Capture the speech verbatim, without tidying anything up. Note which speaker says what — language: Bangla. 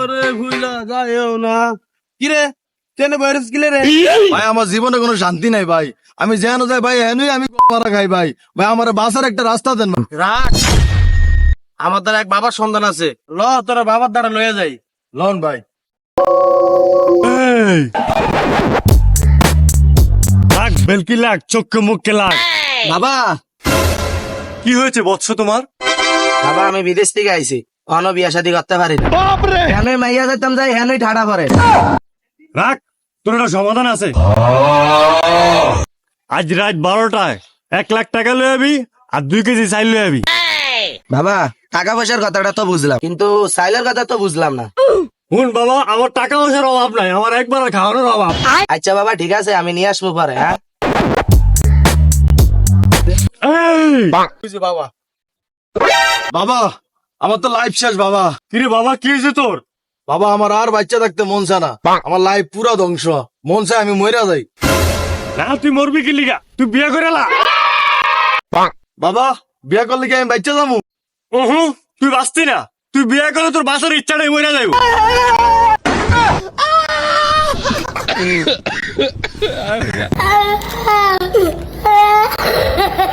Speaker 1: আমারে ভুইলা যায়ও না। কিরে ট্রেনে বাইরেস কিলে রে?
Speaker 2: ভাই আমার জীবনে কোনো শান্তি নাই ভাই, আমি যেন যাই ভাই এনুই আমি মারা খাই ভাই। ভাই আমার বাসার একটা রাস্তা দেন না।
Speaker 1: রাখ, আমার দ্বারা এক বাবার সন্তান আছে, ল তোরা বাবার দ্বারা লয়ে যাই।
Speaker 2: লন ভাই।
Speaker 3: লাগ বেলকি লাগ, চোখে মুখে লাগ।
Speaker 1: বাবা,
Speaker 3: কি হয়েছে বৎস তোমার?
Speaker 1: বাবা আমি বিদেশ থেকে আইছি, অন বিয়া শাদী করতে পারি না। কেন মাইয়া যেতাম যাই হেনই ঠাড়া করে।
Speaker 3: রাখ, তোর একটা সমাধান আছে। আজ রাত বারোটায় এক লাখ টাকা লয়ে যাবি আর দুই কেজি চাইল লয়ে যাবি।
Speaker 1: বাবা টাকা পয়সার কথাটা তো বুঝলাম, কিন্তু সাইলের কথা তো বুঝলাম না।
Speaker 3: শুন বাবা, আমার টাকা পয়সার অভাব নাই, আমার একবার খাওয়ানোর অভাব।
Speaker 1: আচ্ছা বাবা ঠিক আছে, আমি নিয়ে আসবো পরে। হ্যাঁ
Speaker 3: এই,
Speaker 1: বাবা।
Speaker 2: বাবা আমার তো লাইফ শেষ বাবা।
Speaker 3: কিরে বাবা, কি হয়েছে তোর?
Speaker 2: বাবা আমার আর বাচ্চা থাকতে মন চায় না, আমার লাইফ পুরা ধ্বংস, মন চায় আমি মইরা যাই।
Speaker 3: না তুই মরবি কি লিগা? তুই বিয়ে করে লা।
Speaker 2: বাবা বিয়া করলে কি আমি বাচ্চা যাবো?
Speaker 3: ওহু, তুই বাঁচতি না, তুই বিয়ে করে তোর বাসার ইচ্ছাটাই মরে যাইব।